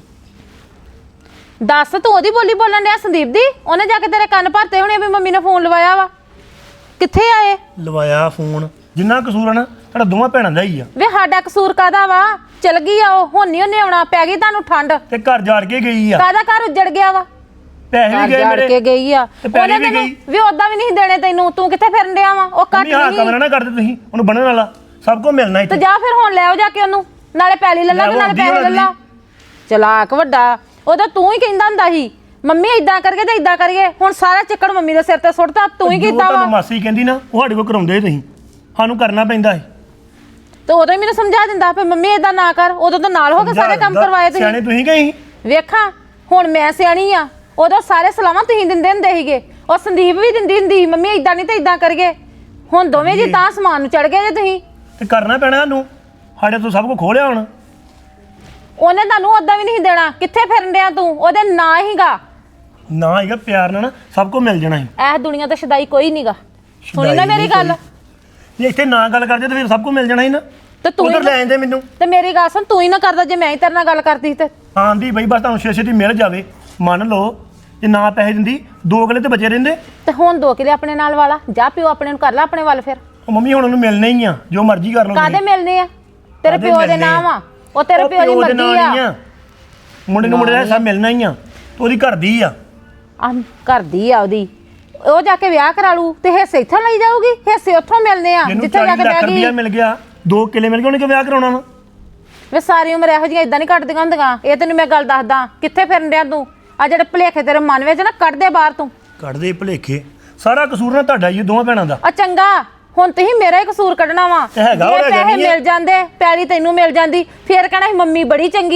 Speaker 3: ਦੱਸ, ਤੂੰ ਉਹਦੀ ਬੋਲੀ ਬੋਲਣ ਡਿਆ ਸੰਦੀਪ ਦੀ? ਉਹਨੇ ਜਾ ਕੇ ਤੇਰੇ ਕੰਨ ਭਰਤੇ ਹੋਣੇ ਵੀ ਮੰਮੀ ਨੇ ਫੋਨ ਲਵਾਇਆ ਵਾ। ਕਿੱਥੇ ਆਏ?
Speaker 6: ਲਵਾਇਆ ਫੋਨ, ਜਿੰਨਾ ਕਸੂਰ ਆ ਨਾ ਸਾਡਾ ਦੋਵਾਂ ਭੈਣਾਂ ਦਾ ਹੀ ਆ।
Speaker 3: ਵੇ ਸਾਡਾ ਕਸੂਰ ਕਾਦਾ ਵਾ? ਚਲ ਗਈ ਆ ਉਹ, ਹੁਣ ਨਹੀਂ ਉਹਨੇ ਆਉਣਾ। ਪੈ ਗਈ ਤੁਹਾਨੂੰ ਠੰਡ।
Speaker 6: ਤੇ ਘਰ ਜਾੜ ਕੇ ਗਈ ਆ,
Speaker 3: ਕਾਦਾ ਘਰ ਉੱਜੜ ਗਿਆ ਵਾ?
Speaker 6: ਪੈਸੇ ਵੀ ਗਏ
Speaker 3: ਜਾੜ ਕੇ
Speaker 6: ਮੇਰੇ।
Speaker 3: ਗਈ ਆ।
Speaker 6: ਤੇ ਪੈਲੀ
Speaker 3: ਉਹਨੇ
Speaker 6: ਵੀ
Speaker 3: ਤੈਨੂੰ
Speaker 6: ਗਈ।
Speaker 3: ਵੀ ਉਦਾਂ ਵੀ ਨਹੀਂ ਦੇਣੇ ਤੈਨੂੰ। ਤੂੰ ਕਿੱਥੇ ਫਿਰਨ ਡਿਆ ਵਾ? ਉਹ ਘੱਟ
Speaker 6: ਮੰਮੀ ਹਾਂ
Speaker 3: ਨਹੀਂ।
Speaker 6: ਕਮਰਾ ਨਾ ਕਰਦੇ ਤੁਸੀਂ, ਉਹਨੂੰ ਬੰਨਣ ਵਾਲਾ ਸਭ ਕੁਝ ਮਿਲਣਾ
Speaker 3: ਤੇ
Speaker 6: ਇੱਥੇ।
Speaker 3: ਜਾ ਫਿਰ ਹੁਣ ਲੈ ਆਓ ਜਾ ਕੇ ਉਹਨੂੰ, ਨਾਲੇ ਪੈਲੀ ਲੈ ਲਾ ਤੇ ਨਾਲੇ ਪੈਸੇ ਲੈ ਲਾ। ਚਲਾਕ ਵੱਡਾ। ਉਹਦਾ ਤੂੰ ਹੀ ਕਹਿੰਦਾ ਹੁੰਦਾ ਸੀ ਮੰਮੀ ਇਦਾਂ ਕਰਕੇ ਤੇ ਇਦਾਂ ਕਰੀਏ। ਹੁਣ ਸਾਰਾ ਚੱਕੜ ਮੰਮੀ ਦੇ ਸਿਰ ਤੇ ਸੁੱਟਦਾ, ਤੂੰ ਹੀ ਕੀਤਾ ਵਾ।
Speaker 6: ਤੁਹਾਨੂੰ ਮਾਸੀ ਕਹਿੰਦੀ ਨਾ ਉਹ ਸਾਡੇ ਕੋਲ ਕਰਾਉਂਦੇ ਤੁਸੀਂ, ਸਾਨੂੰ ਕਰਨਾ ਪੈਂਦਾ ਹੈ।
Speaker 3: ਤੇ ਉਦੋਂ ਹੀ ਮੈਨੂੰ ਸਮਝਾ ਦਿੰਦਾ ਵੀ ਮੰਮੀ ਇਦਾਂ ਨਾ ਕਰ। ਉਦੋਂ ਤਾਂ ਨਾਲ ਹੋ ਕੇ ਸਾਰੇ ਕੰਮ ਕਰਵਾਏ
Speaker 6: ਸਿਆਣੇ
Speaker 3: ਤੁਸੀਂ।
Speaker 6: ਤੁਸੀਂ ਗਏ।
Speaker 3: ਵੇਖਾਂ ਹੁਣ ਮੈਂ ਸਿਆਣੀ ਆ, ਉਦੋਂ ਸਾਰੇ ਸਲਾਹਾਂ ਤੁਸੀਂ ਦਿੰਦੇ ਹੁੰਦੇ ਸੀਗੇ। ਉਹ ਸੰਦੀਪ ਵੀ ਦਿੰਦੀ ਹੁੰਦੀ ਮੰਮੀ ਇਦਾਂ ਨਹੀਂ ਤੇ ਇਦਾਂ ਕਰੀਏ। ਹੁਣ ਦੋਵੇਂ ਜੀ ਤਾਂ ਸਮਾਨ ਨੂੰ ਚੜ ਗਏ ਜੇ ਤੁਸੀਂ।
Speaker 6: ਤੇ ਕਰਨਾ ਪੈਣਾ ਸਾਨੂੰ, ਸਾਡੇ ਤੋਂ ਸਭ ਕੁਝ ਖੋਲਿਆ ਹੁਣ।
Speaker 3: ਉਹਨੇ ਤੁਹਾਨੂੰ ਉਦਾਂ ਵੀ ਨਹੀਂ ਦੇਣਾ। ਕਿੱਥੇ ਫਿਰਨ ਡਿਆ ਤੂੰ? ਉਹਦੇ ਨਾ ਹੀਗਾ
Speaker 6: ਨਾ ਹੈਗਾ ਪਿਆਰ ਨਾਲ ਨਾ ਸਭ ਕੁਝ ਮਿਲ ਜਾਣਾ ਸੀ।
Speaker 3: ਇਹ ਦੁਨੀਆ ਤੇ ਸ਼ਦਾਈ ਕੋਈ ਨਹੀਂਗਾ। ਸੁਣੀ ਨਾ ਮੇਰੀ ਗੱਲ?
Speaker 6: ਜੇ ਇੱਥੇ ਨਾ ਗੱਲ ਕਰਦੇ ਤਾਂ ਫਿਰ ਸਭ ਕੁਝ ਮਿਲ ਜਾਣਾ ਸੀ ਨਾ।
Speaker 3: ਤੇ ਤੂੰ
Speaker 6: ਉਧਰ ਲੈ ਜਾਂਦੇ ਮੈਨੂੰ।
Speaker 3: ਤੇ ਮੇਰੀ ਗੱਲ ਸੁਣ, ਤੂੰ ਹੀ ਨਾ ਕਰਦਾ ਜੇ ਮੈਂ ਹੀ ਤੇਰੇ ਨਾਲ ਗੱਲ ਕਰਦੀ ਤੇ।
Speaker 6: ਆਂਦੀ ਬਈ ਬਸ ਤੁਹਾਨੂੰ ਛੇ-ਛੇ ਦੀ ਮਿਲ ਜਾਵੇ। ਮੰਨ ਲਓ ਜੇ ਨਾ ਪੈਸੇ ਦਿੰਦੀ 2 ਕਿੱਲੇ ਤੇ ਬਚੇ ਰਹਿੰਦੇ।
Speaker 3: ਤੇ ਹੁਣ 2 ਕਿਲੇ ਆਪਣੇ ਨਾਲ ਵਾਲਾ ਜਾ, ਪਿਓ ਆਪਣੇ ਨੂੰ ਕਰ ਲੈ ਆਪਣੇ ਵੱਲ। ਫਿਰ
Speaker 6: ਉਹ ਮੰਮੀ ਹੁਣ ਉਹਨੂੰ ਮਿਲਣੇ ਹੀ ਆ, ਜੋ ਮਰਜ਼ੀ ਕਰ ਲਓ।
Speaker 3: ਕਾਦੇ ਮਿਲਨੇ ਆ? ਤੇਰੇ
Speaker 6: ਕਾਹਦੇ
Speaker 3: ਪਿਓ ਦੇ
Speaker 6: ਮਿਲਣੇ
Speaker 3: ਨਾਮ
Speaker 6: ਆ?
Speaker 3: ਆ, ਉਹ ਤੇਰੇ ਪਿਓ ਦੀ
Speaker 6: ਪਿਓ ਦੇ
Speaker 3: ਮਰਜ਼ੀ
Speaker 6: ਨਾਲ ਹੀ
Speaker 3: ਆ।
Speaker 6: ਆ। ਮੁੰਡੇ ਨੂੰ ਮੁੰਡੇ ਦਾ ਹਿੱਸਾ ਮਿਲਣਾ ਹੀ ਆ, ਤੇ ਉਹਦੀ ਘਰ ਦੀ ਆ।
Speaker 3: ਆ ਕਰਦੀ ਆ ਉਹਦੀ। ਉਹ ਜਾ ਕੇ ਵਿਆਹ ਕਰਾ ਲੂ ਤੇ ਹਿੱਸੇ ਇੱਥੋਂ ਲਈ ਜਾਊਗੀ। ਹਿੱਸੇ ਉੱਥੋਂ ਮਿਲਨੇ ਆ
Speaker 6: ਜਿਹਨੂੰ
Speaker 3: ਜਿੱਥੇ ਜਾ
Speaker 6: 40
Speaker 3: ਕੇ
Speaker 6: ਲੱਖ
Speaker 3: ਬਹਿ
Speaker 6: ਰੁਪਇਆ
Speaker 3: ਗਈ।
Speaker 6: ਮਿਲ ਗਿਆ, 2 ਕਿੱਲੇ ਮਿਲ ਗਏ, ਉਹਨੇ ਕਿ ਵਿਆਹ ਕਰਾਉਣਾ ਵਾ।
Speaker 3: ਵੇ ਸਾਰੀ ਉਮਰ ਇਹੋ ਜਿਹੀਆਂ ਇਦਾਂ ਨਹੀਂ ਕੱਟਦੀਆਂ ਹੁੰਦੀਆਂ। ਇਹ ਤੈਨੂੰ ਮੈਂ ਗੱਲ ਦੱਸਦਾ। ਕਿੱਥੇ ਫਿਰਨ ਡਿਆ ਤੂੰ? ਆ ਜਿਹੜੇ ਭੁਲੇਖੇ ਤੇਰੇ ਮਨ ਵਿੱਚ ਨਾ ਕੱਢ ਦੇ ਬਾਹਰ ਤੂੰ।
Speaker 6: ਕੱਢਦੇ ਭੁਲੇਖੇ, ਸਾਰਾ ਕਸੂਰ ਨਾ ਤੁਹਾਡਾ ਹੀ, ਦੋਵਾਂ ਭੈਣਾਂ ਦਾ।
Speaker 3: ਆ ਚੰਗਾ, ਹੁਣ ਤੁਸੀਂ ਮੇਰਾ ਹੀ ਕਸੂਰ ਕੱਢਣਾ ਵਾ।
Speaker 6: ਤੇ ਹੈਗਾ,
Speaker 3: ਜੇ
Speaker 6: ਉਹ ਹੈਗਾ
Speaker 3: ਪੈਸੇ
Speaker 6: ਨਹੀਂ ਆ।
Speaker 3: ਮਿਲ ਜਾਂਦੇ, ਪੈਲੀ ਤੈਨੂੰ ਮਿਲ ਜਾਂਦੀ, ਫੇਰ ਕਹਿਣਾ ਸੀ ਮੰਮੀ ਬੜੀ ਚੰਗੀ ਆ।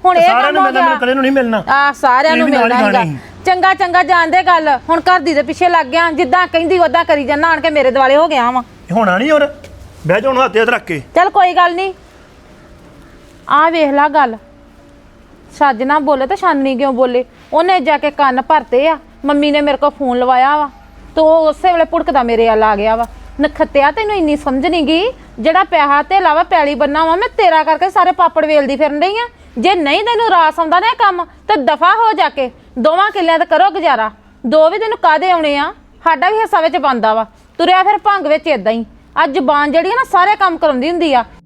Speaker 3: ਹੁਣ ਇਹ
Speaker 6: ਸਾਰਿਆਂ
Speaker 3: ਕੰਮ
Speaker 6: ਨੂੰ
Speaker 3: ਹੋ
Speaker 6: ਮਿਲਣਾ,
Speaker 3: ਗਿਆ
Speaker 6: ਮੈਨੂੰ ਇਕੱਲੇ ਨੂੰ ਨਹੀਂ ਮਿਲਣਾ।
Speaker 3: ਆ ਸਾਰਿਆਂ ਨੂੰ
Speaker 6: ਤੁਸੀਂ ਵੀ ਨਾਲ ਹੀ
Speaker 3: ਮਿਲਣਾ ਹੈਗਾ।
Speaker 6: ਖਾਣੀ।
Speaker 3: ਚੰਗਾ ਚੰਗਾ ਜਾਣਦੇ ਗੱਲ, ਹੁਣ ਘਰ ਦੀ ਦੇ ਪਿੱਛੇ ਲੱਗ ਗਿਆ, ਜਿੱਦਾਂ ਕਹਿੰਦੀ ਉਦਾਂ ਕਰੀ ਜਾਂਦਾ, ਆਣ ਕੇ ਮੇਰੇ ਦੁਆਲੇ ਹੋ ਗਿਆ ਵਾ।
Speaker 6: ਹੋਣਾ ਨਹੀਂ ਹੋਰ, ਬਹਿ ਜਾ ਹੁਣ ਹੱਥ ਹੱਥ ਰੱਖ ਕੇ।
Speaker 3: ਚੱਲ ਕੋਈ ਗੱਲ ਨਹੀਂ, ਆ ਵੇਖ ਲਾ ਗੱਲ, ਛੱਜ ਨਾ ਬੋਲੇ ਤੇ ਛਾਨਣੀ ਕਿਉਂ ਬੋਲੇ। ਉਹਨੇ ਜਾ ਕੇ ਕੰਨ ਭਰਤੇ ਆ, ਮੰਮੀ ਨੇ ਮੇਰੇ ਕੋਲ ਫੋਨ ਲਵਾਇਆ ਵਾ ਤੇ ਉਹ ਉਸੇ ਵੇਲੇ ਪੁੜਕਦਾ ਮੇਰੇ ਵੱਲ ਆ ਗਿਆ ਵਾ। ਨਖੱਤਿਆ ਤੈਨੂੰ ਇੰਨੀ ਸਮਝ ਨਹੀਂ ਗਈ, ਜਿਹੜਾ ਪੈਸਾ ਤੇ ਲਾਵਾ ਪੈਲੀ ਬੰਨਾ ਵਾ, ਮੈਂ ਤੇਰਾ ਕਰਕੇ ਸਾਰੇ ਪਾਪੜ ਵੇਲਦੀ ਫਿਰਨ ਡਈ ਆ। ਜੇ ਨਹੀਂ ਤੈਨੂੰ ਰਾਸ ਆਉਂਦਾ ਨਾ ਇਹ ਕੰਮ ਤੇ ਦਫਾ ਹੋ ਜਾ ਕੇ 2 ਕਿੱਲਿਆਂ ਤੇ ਕਰੋ ਗੁਜ਼ਾਰਾ। 2 ਵੀ ਤੈਨੂੰ ਕਾਹਦੇ ਆਉਣੇ ਆ, ਸਾਡਾ ਵੀ ਹਿੱਸਾ ਵਿੱਚ ਬਣਦਾ ਵਾ। ਤੁਰਿਆ ਫਿਰ ਭੰਗ ਵਿੱਚ ਇਦਾਂ ਹੀ। ਆ ਜ਼ੁਬਾਨ ਜਿਹੜੀ ਆ ਨਾ ਸਾਰੇ ਕੰਮ ਕਰਾਉਂਦੀ ਹੁੰਦੀ ਆ।